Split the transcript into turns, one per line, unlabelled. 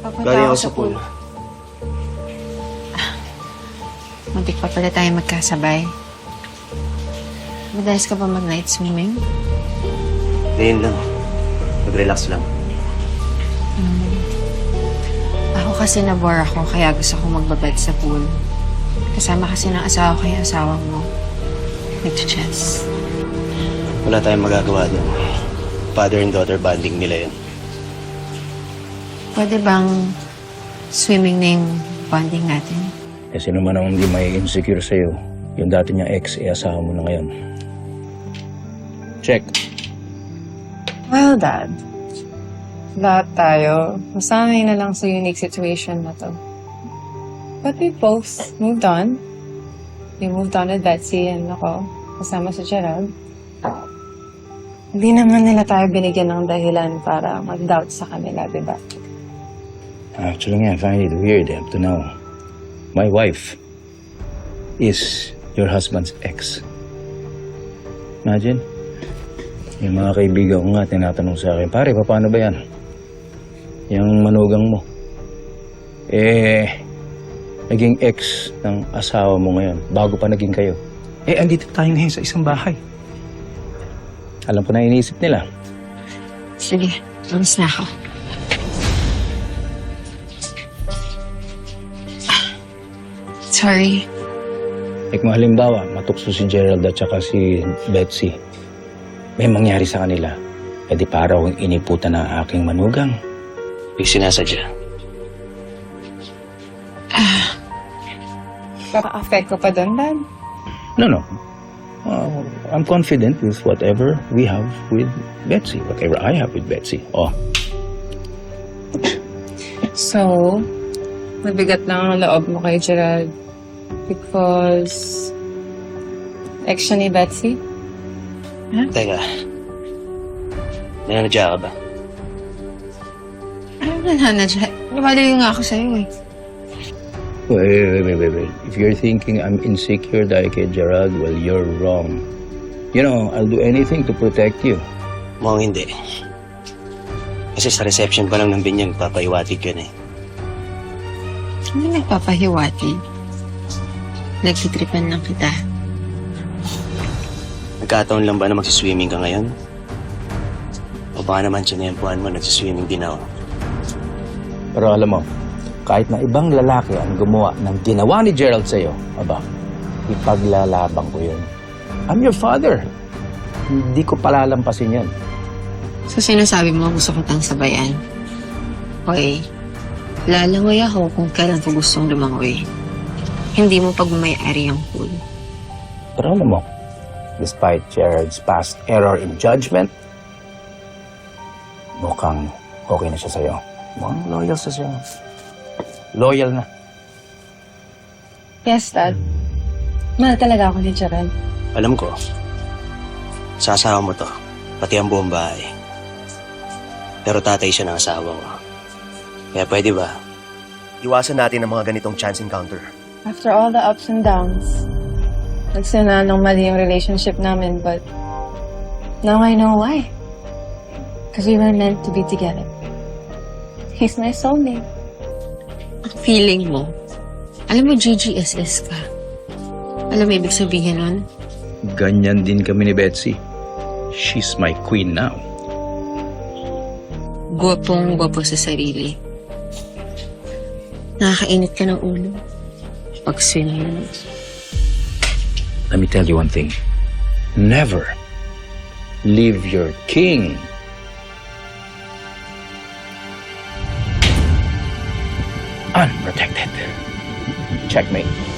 Papunta
Galing
ako
ako sa pool.
Muntik pa pala tayo magkasabay. Madalas ka ba mag-night swimming?
Ngayon lang. Mag-relax lang.
Ako kasi nabore ako, kaya gusto ko magbabad sa pool. Kasama kasi ng asawa ko yung asawa mo. Nag-chess.
Wala tayong magagawa doon. Father and daughter bonding nila yun.
Pwede bang swimming na yung bonding natin?
Eh, sino man ang hindi may insecure sa'yo, yung dati niyang ex, asawa mo na ngayon. Check.
Well, Dad. Lahat tayo. Masanay na lang sa unique situation na to. But we both moved on. We moved on with Betsy and ako, kasama si Gerald. Hindi naman nila tayo binigyan ng dahilan para mag-doubt sa kanila, di ba?
Actually nga, I find it weird up to now. My wife is your husband's ex. Imagine. Yung mga kaibigan ko nga tinatanong sa akin, pare, paano ba yan? Yung manugang mo. Naging ex ng asawa mo ngayon, bago pa naging kayo. Andito tayo ngayon sa isang bahay. Alam ko na iniisip nila.
Sige, alis na ako. Sorry.
Kung halimbawa, matukso si Gerald at saka si Betsy, may mangyari sa kanila, di para akong iniputan ng aking manugang.
May sinasadya.
Kaka-affect ko pa doon, Dad.
No. I'm confident with whatever we have with Betsy, whatever I have with Betsy. Oh,
So, mabigat lang ang loob mo kay Gerald because ex siya ni Betsy?
Teka. Nananadya ka ba?
Ano na dyan? Lumalayo nga ako sa'yo eh.
wait. If you're thinking I'm insecure dahil kay Gerald, well, you're wrong. You know, I'll do anything to protect you.
Mukhang hindi. Kasi sa reception pa lang ng binyag, papaiwatig yun eh.
Ano nagpapahiwati? Nagtitripan lang kita.
Nagkataon lang ba na magsiswimming ka ngayon? O baka naman sinempuhan mo, nagsiswimming din ako.
Pero alam mo, kahit na ibang lalaki ang gumawa ng ginawa ni Gerald sa'yo, ipaglalaban ko yun. I'm your father. Hindi ko palalampasin yan.
So, sinasabi mo gusto ko tang sabayan? Okay. Lalangoy ako kung kailan ko gustong lumangoy. Hindi mo pagmamayari ang pool.
Pero alam mo, despite Gerald's past error in judgment, mukhang okay na siya sa'yo. Mukhang loyal siya sa'yo. Loyal na.
Yes, Dad. Mahal talaga ako ni Gerald.
Alam ko, sa asawa mo to, pati ang buong bahay. Pero tatay siya ng asawa ko. Kaya pwede ba? Iwasan natin ang mga ganitong chance encounter.
After all the ups and downs, nagsina ng mali yung relationship namin, but now I know why. Because we were meant to be together. He's my soulmate.
Ang feeling mo, alam mo GGSS ka. Alam mo ibig sabihin nun?
Ganyan din kami ni Betsy. She's my queen now.
Gwapong-gwapo sa sarili. Nakakainit ka ng ulo. Pag-swim mo.
Let me tell you one thing. Never leave your king unprotected. Checkmate.